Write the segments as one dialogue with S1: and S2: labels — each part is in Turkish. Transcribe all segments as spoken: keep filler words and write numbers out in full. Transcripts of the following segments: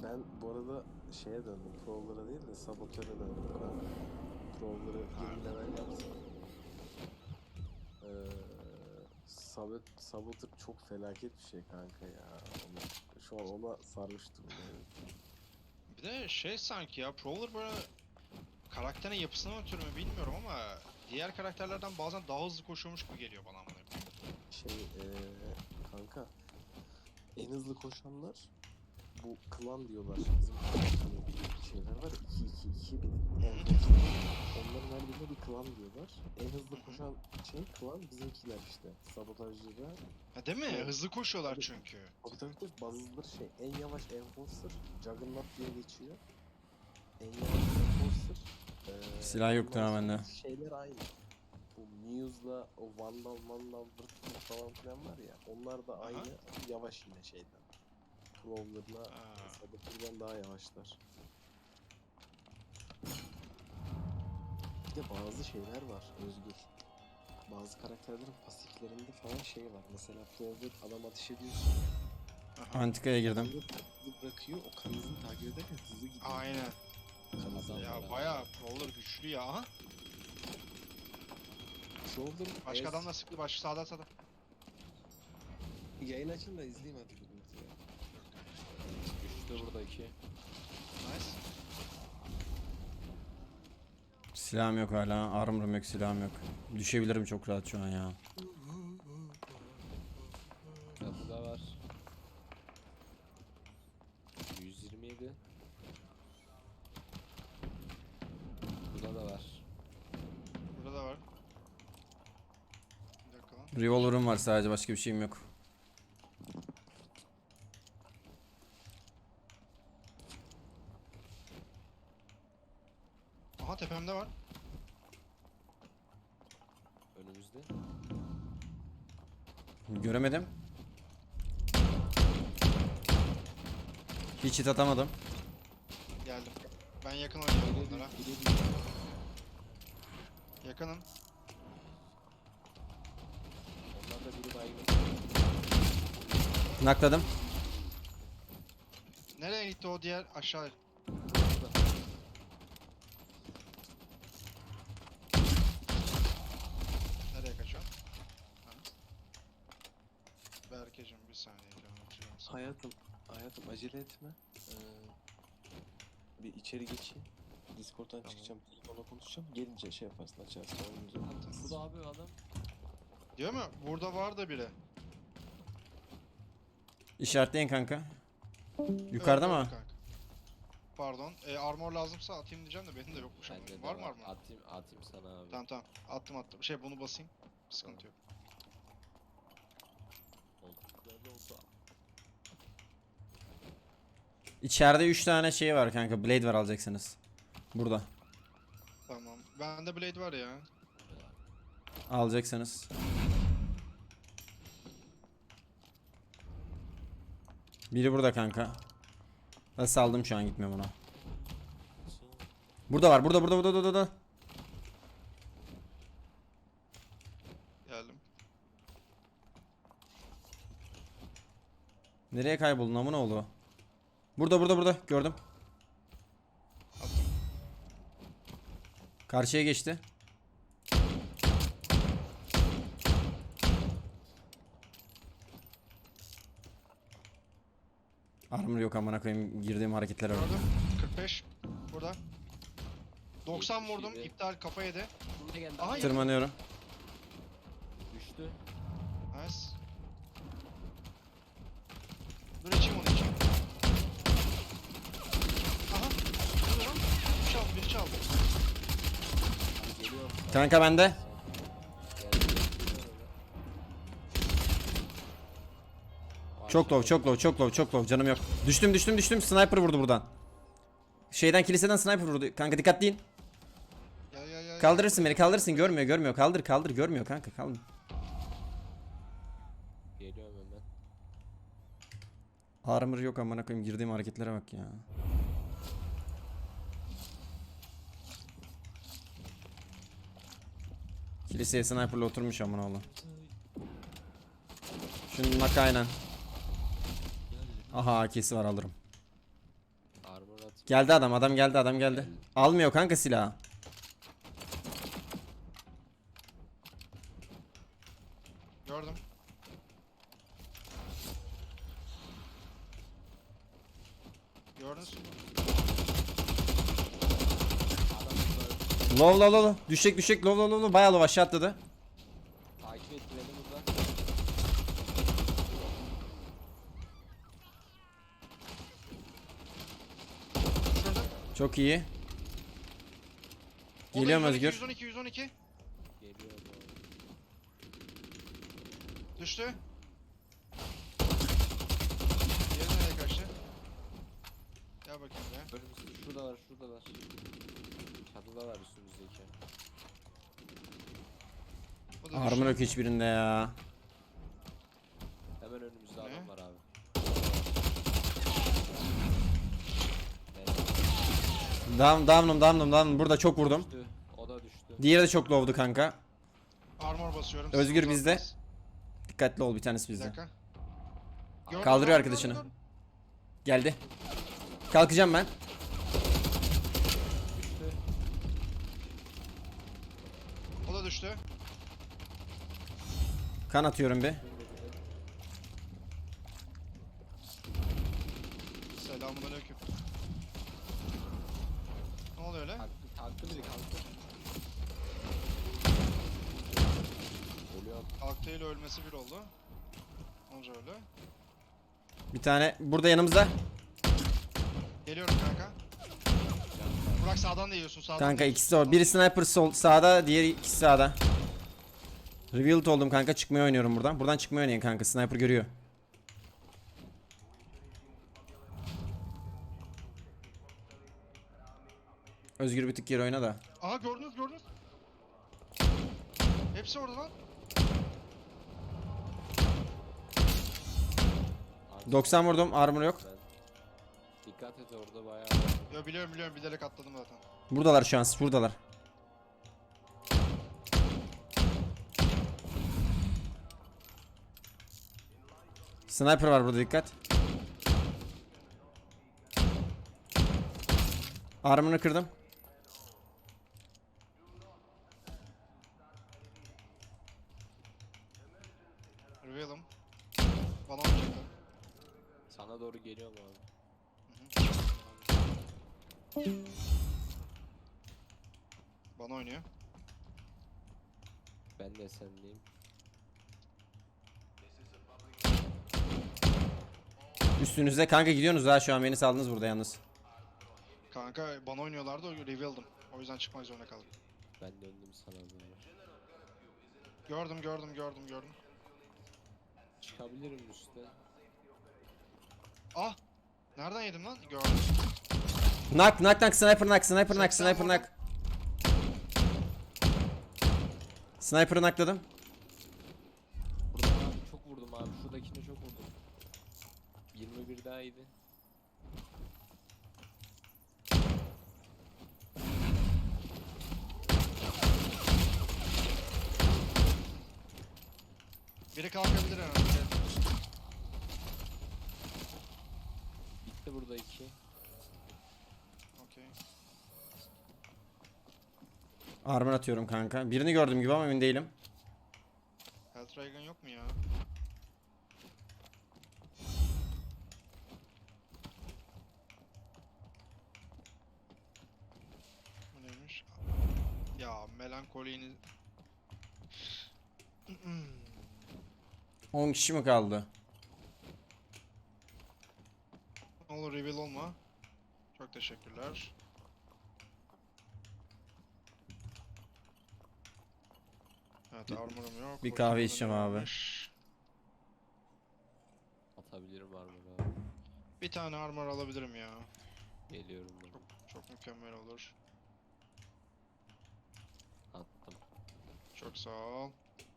S1: Ben bu arada şeye döndüm. Prowler'a değil de Saboteur'e döndüm kanka. Prowler'ı yirmi level yaptım. Ee, Sabot Saboteur çok felaket bir şey kanka ya. Onu, şu an ona sarmış durumdayım.
S2: Bir de şey sanki ya Prowler böyle karakterin yapısına ötürü mü bilmiyorum ama diğer karakterlerden bazen daha hızlı koşuyormuş gibi geliyor bana amına koyayım.
S1: Şey ee, kanka en hızlı koşanlar bu klan diyorlar. Bizim hani şeyler var ya iki iki iki bir de enforce'lar. Onların her birine bir klan diyorlar. En hızlı koşan şey klan bizimkiler işte. Sabotajcılar.
S2: Ha değil mi?
S1: Evet.
S2: Hızlı koşuyorlar
S1: Tabii.
S2: çünkü.
S1: Tabii tabii tabii bazıları şey en yavaş enforcer Juggernaut diye geçiyor. En yavaş enforcer. Ee,
S3: Silah yoktur
S1: ondan
S3: ha
S1: sonra
S3: bende.
S1: şeyler aynı. Bu Muse'la o Vandal Vandal Vırtlı falan filan var ya. Onlar da
S2: Aha.
S1: aynı yavaş yine şeyden. Prowler'la
S2: Ha.
S1: Saboteur'dan daha yavaşlar. Bir de bazı şeyler var Özgür. Bazı karakterlerin pasiflerinde falan şey var. Mesela Prowler adam ateş ediyorsun.
S2: Aha.
S3: Antikaya girdim.
S1: Kanızı hızlı bırakıyor. O kanızını takip ederken hızlı gidiyor.
S2: Aynen.
S1: Kanızdan
S2: Ya
S1: beraber.
S2: bayağı Prowler güçlü ya. Aha.
S1: Prowler
S2: Başka
S1: es-
S2: adamla sıktı. Başka sağda sağda.
S1: Yayın açın da izleyeyim hadi birlikte ya.
S4: Üçte burada iki.
S2: Nice.
S3: Silahım yok hala. Armor'ım yok, silahım yok. Düşebilirim çok rahat şu an ya.
S4: Kapıda var. yüz yirmi yedi. Burada da var.
S2: Burada da var. Bir dakika lan.
S3: Revolver'ım var sadece, başka bir şeyim yok.
S2: Aha tepemde var.
S4: Önümüzde.
S3: Göremedim. Hiç hit atamadım.
S2: Geldim. Ben yakın oynuyorum onlara. Yakınım.
S4: Onlardan biri baygın.
S3: Nakladım.
S2: Nereye gitti o diğer aşağı? Nereye kaçıyor? Ha. Berkeciğim bir saniye canım. canım.
S1: Hayatım, hayatım acele etme. Ee, bir içeri geçeyim. Discord'dan
S2: Tamam.
S1: çıkacağım, telefonla konuşacağım. Gelince şey yaparsın, açarsın oyununuzu.
S4: Burada abi adam.
S2: Diyor mu? Burada var da biri.
S3: İşaretleyin kanka. Yukarıda
S2: Evet,
S3: mı?
S2: evet kanka. Pardon. E, armor lazımsa atayım diyeceğim de benim de yokmuş ama.
S4: Bende de
S2: Var mı armor?
S4: Atayım, atayım sana abi.
S2: Tamam tamam. Attım attım. Şey bunu basayım. Sıkıntı yok.
S4: Koltuklarda olsa.
S3: İçeride üç tane şey var kanka. Blade var, alacaksınız. Burada.
S2: Tamam. Bende blade var ya.
S3: Alacaksınız. Biri burada kanka. Ben saldım şu an, gitmiyorum ona. Burada var, burada burada burada burada. burada.
S2: Geldim.
S3: Nereye kayboldun amına oğlu? Burada burada burada, gördüm.
S2: Attım.
S3: Karşıya geçti. Armor yok amına koyayım, girdiğim hareketlere bak.
S2: Gördüm. kırk beş. Burada. doksan
S4: yetmiş
S2: vurdum.
S4: yedi.
S2: İptal kafa yedi.
S4: Buraya geldi.
S2: Aha,
S3: Tırmanıyorum.
S4: Düştü.
S2: Nice. Dur içeyim onu içeyim. Aha. Ne oluyor lan? Biri çaldı. Biri çaldı.
S4: Geliyor.
S3: Kanka bende.
S4: Geldi.
S3: Çok low, çok low, çok low, çok low. Canım yok. Düştüm, düştüm, düştüm. Sniper vurdu buradan. Şeyden, kiliseden sniper vurdu. Kanka dikkatliyin.
S2: Gel gel gel.
S3: Kaldırırsın beni, kaldırırsın. Görmüyor, görmüyor. Kaldır, kaldır. Görmüyor kanka, kaldır.
S4: Geliyorum hemen.
S3: Armor yok amına koyayım. Girdiğim hareketlere bak ya. Kiliseye sniper'la oturmuş amına oğlum. Şunun nak aynen. Aha A K'si var, alırım. Geldi adam, adam geldi, adam geldi. Almıyor kanka silahı.
S2: Gördüm. Gördünüz mü?
S3: Low low low low. Düşecek düşecek low low low low. Bayağı low aşağı atladı.
S4: Takip etti beni burada.
S2: Şurada.
S3: Çok iyi.
S2: O da
S3: Geliyorum
S2: yüz on iki,
S3: Özgür.
S2: yüz on iki, yüz on iki.
S4: Geliyor bu.
S2: Düştü. Diğeri nereye kaçtı? Gel bakayım be.
S4: Önümüzde şuradalar şuradalar. Çatıdalar üstümüzdeki.
S2: O da
S3: Armor
S2: düştü.
S3: yok hiçbirinde ya.
S4: Hemen önümüzde
S2: Ne?
S4: adam var abi.
S3: Down down'um down'um down'um. Burada çok vurdum.
S4: Düştü. O da düştü.
S3: Diğeri de çok low'du kanka.
S2: Armor basıyorum.
S3: Özgür
S2: Siz
S3: bizde.
S2: uzatmaz.
S3: Dikkatli ol, bir tanesi
S2: Bir
S3: bizde.
S2: dakika. Gördüm,
S3: Kaldırıyor
S2: gördüm,
S3: arkadaşını.
S2: gördüm,
S3: Geldi. Kalkacağım ben.
S4: Düştü.
S2: gördüm. O da düştü.
S3: Kan atıyorum bir.
S2: Selamünaleyküm. Ne oluyor öyle?
S4: Kalktı, kalktı biri kalktı. Ölüyor.
S2: Kalktı ile ölmesi bir oldu. Onca öyle.
S3: Bir tane burada yanımızda.
S2: Geliyorum kanka. Burak sağdan da yiyorsun sağdan.
S3: Kanka
S2: da
S3: ikisi de
S2: yiyorsun.
S3: o. Biri sniper sol sağda, diğeri ikisi sağda. Revealed oldum kanka, çıkmayı oynuyorum buradan. Buradan çıkmayı oynayın kanka. Sniper görüyor. Özgür bir tık geri oyna da.
S2: Aha gördünüz gördünüz. Hepsi orada lan.
S4: Abi,
S3: doksan vurdum, armor yok.
S4: ben- Dikkat et orada bayağı.
S2: Yo biliyorum biliyorum bilerek atladım zaten.
S3: Buradalar şu an, buradalar. Sniper var burada, dikkat. Armor'ını kırdım.
S2: Reveal'ım. Bana oynayacaklar.
S4: Sana doğru geliyor mu abi?
S2: Bana oynuyor.
S4: Ben de sendeyim.
S3: Üstünüzde kanka, gidiyorsunuz ha, şu an beni saldınız burada yalnız.
S2: Kanka bana oynuyorlardı o Reveal'dım. O yüzden çıkmak zorunda kaldım.
S4: Ben döndüm sana doğru.
S2: Gördüm gördüm gördüm gördüm.
S4: Çıkabilirim üstte.
S2: Ah! Nereden yedim lan? Gördüm.
S3: Knock knock knock, sniper knock, sniper knock,
S2: seksen
S3: sniper
S2: vurdum.
S3: knock. Sniper'ı knockladım.
S4: Burada abi çok vurdum abi. Şuradakine çok vurdum. yirmi bir daha iyiydi.
S2: Biri kalkabilir herhalde.
S4: Bitti burada iki.
S2: Okey.
S3: Armor atıyorum kanka. Birini gördüm gibi ama emin değilim.
S2: Helldragon yok mu ya? Bu neymiş? Ya melankolini...
S3: on kişi mi kaldı?
S2: Ne olur reveal olma. Çok teşekkürler. Evet armorum yok.
S3: bir
S2: o
S3: kahve
S2: yüzden
S3: içeceğim abi.
S2: varmış.
S4: Atabilirim armor abi.
S2: Bir tane armor alabilirim ya.
S4: Geliyorum ben.
S2: Çok çok mükemmel olur.
S4: Attım.
S2: Çok sağ ol.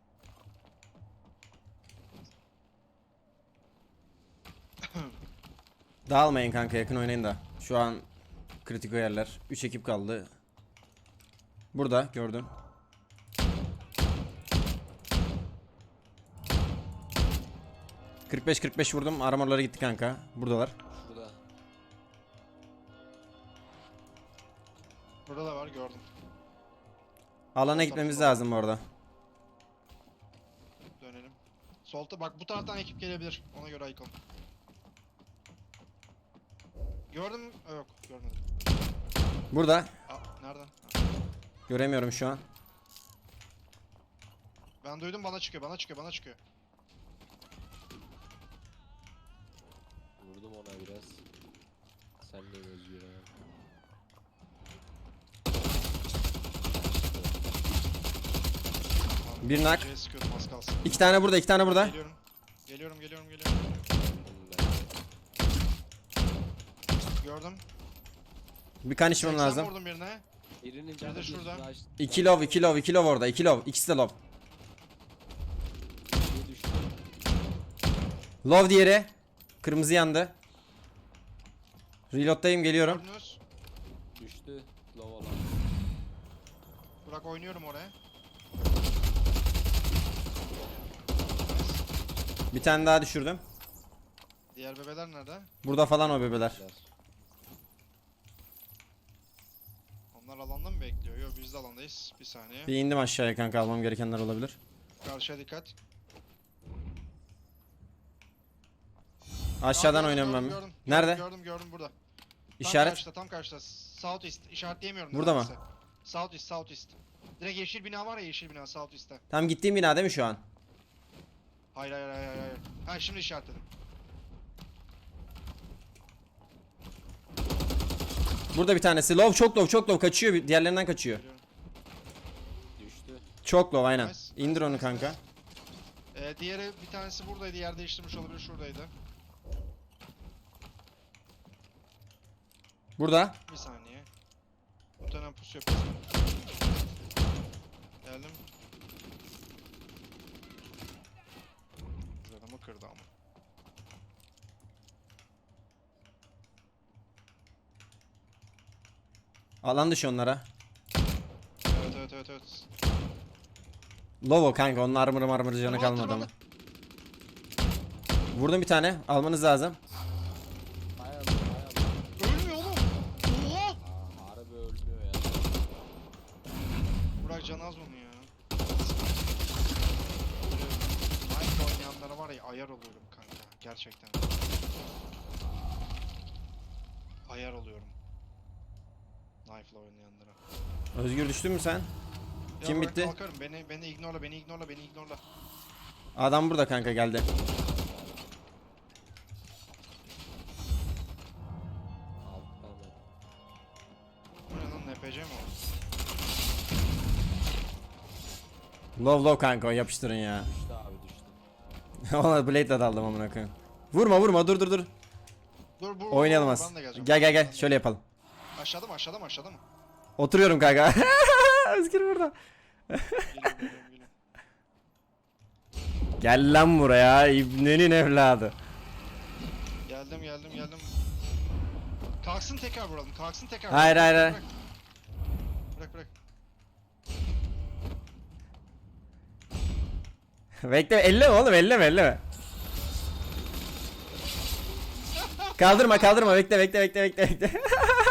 S3: Dağılmayın kanka, yakın oynayın da. Şu an kritik yerler. üç ekip kaldı. Burada gördüm. kırk beş kırk beş vurdum. Armorları gitti kanka. Buradalar.
S4: Şurada.
S2: Burada da var gördüm.
S3: Alana gitmemiz lazım bu arada.
S2: Dönelim. Solta bak bu taraftan ekip gelebilir. Ona göre Icon. Gördüm mü? Aa, yok görmedim.
S3: Burada.
S2: Aa, nereden? Ha.
S3: Göremiyorum şu an.
S2: Ben duydum bana çıkıyor bana çıkıyor bana çıkıyor.
S4: Vurdum ona biraz. Sen de Özgür abi.
S2: Tamam,
S3: Bir nak.
S2: C'ye sıkıyordum az kalsın.
S3: İki tane burada, iki tane burada.
S2: Geliyorum. Geliyorum geliyorum geliyorum. Gördüm.
S3: Bir kan içmem
S2: seksen
S3: lazım.
S2: vurdum birine.
S4: Birinin
S2: de
S4: canı bir
S2: şurada.
S4: flash-
S3: İki love, iki love, iki love orada. İki love. İkisi de love.
S4: Biri düştü.
S3: Love diğeri. Kırmızı yandı. Reload'dayım, geliyorum.
S2: Gördünüz.
S4: Düştü. Low olan.
S2: Burak oynuyorum oraya.
S3: Bir tane daha düşürdüm.
S2: Diğer bebeler nerede?
S3: Burada falan o bebeler.
S2: Onlar alanda mı bekliyor? Yok biz de alandayız. Bir saniye.
S3: Bir indim aşağıya kanka, almam gerekenler olabilir.
S2: Karşıya dikkat.
S3: Aşağıdan
S2: Aa, gördüm,
S3: oynuyorum
S2: gördüm,
S3: ben.
S2: gördüm.
S3: Nerede?
S2: Gördüm gördüm burada. Tam
S3: İşaret.
S2: karşıda tam karşıda. South East. İşaretleyemiyorum.
S3: Burada mı?
S2: neredeyse. South East South East. Direkt yeşil bina var ya yeşil bina South East'te.
S3: Tam gittiğim bina değil mi şu an?
S2: Hayır hayır hayır hayır. hayır. Ha şimdi işaretledim.
S3: Burada bir tanesi. Love, çok love, çok love. Kaçıyor. bir- Diğerlerinden kaçıyor.
S2: Geliyorum.
S4: Düştü.
S3: Çok love aynen.
S2: Nice,
S3: İndir
S2: nice,
S3: onu
S2: nice,
S3: kanka.
S2: nice. Ee, diğeri bir tanesi buradaydı. Yer değiştirmiş olabilir. Şuradaydı.
S3: Burada.
S2: Bir saniye. Muhtemelen pusu yapıyoruz. Geldim. Adamı kırdı ama.
S3: Alan dışı onlara.
S2: Evet evet evet evet.
S3: Love o kanka. Onun armor marmor canı
S2: Tırmandı,
S3: kalmadı ama.
S2: tırmandı.
S3: Vurdum bir tane. Almanız lazım.
S4: Bayağı bayağı.
S2: Ölmüyor oğlum. Oha!
S4: Aa, harbi ölmüyor ya.
S2: Burak Canaz bunu ya. Minecraft oynayanlara var ya ayar oluyorum kanka. Gerçekten. Ayar oluyorum. Knife'la oynayanlara.
S3: Özgür, düştün mü sen?
S2: Ya
S3: Kim
S2: Burak,
S3: bitti?
S2: Kalkarım. Beni beni ignorla, beni ignorla, beni ignorla.
S3: Adam burada kanka, geldi.
S4: Alttan da.
S2: Bu ne lan N P C mi o?
S3: Love love kanka, o yapıştırın ya.
S4: Düştü abi düştü.
S3: Ona blade'le daldım amına koyayım. Vurma vurma, dur dur dur.
S2: Dur bu
S3: Oynayalım
S2: bu-
S3: az.
S2: ben de geleceğim.
S3: Gel gel
S2: Ben
S3: gel,
S2: de
S3: şöyle yapalım.
S2: geleceğim. Aşağıda mı aşağıda mı aşağıda mı?
S3: Oturuyorum kanka. Özgür burada.
S2: Geliyorum geliyorum geliyorum.
S3: Gel lan buraya, İbnenin evladı.
S2: Geldim geldim geldim. Kalksın tekrar vuralım. Kalksın tekrar.
S3: Hayır,
S2: vuralım.
S3: hayır,
S2: Bırak. Bırak bırak.
S3: Bekle, elleme oğlum, elleme elleme. Kaldırma kaldırma, bekle bekle bekle bekle bekle.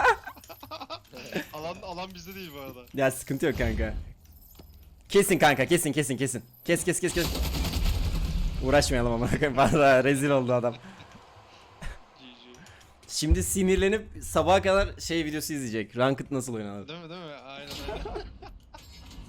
S2: Alan alan bizde değil bu arada.
S3: Ya sıkıntı yok kanka. Kesin kanka, kesin kesin kesin. Kes kes kes kes. Uğraşmayalım ama bana rezil oldu adam.
S2: G G.
S3: Şimdi sinirlenip sabaha kadar şey videosu izleyecek. Ranked nasıl oynanır?
S2: Değil mi değil mi? Aynen aynen.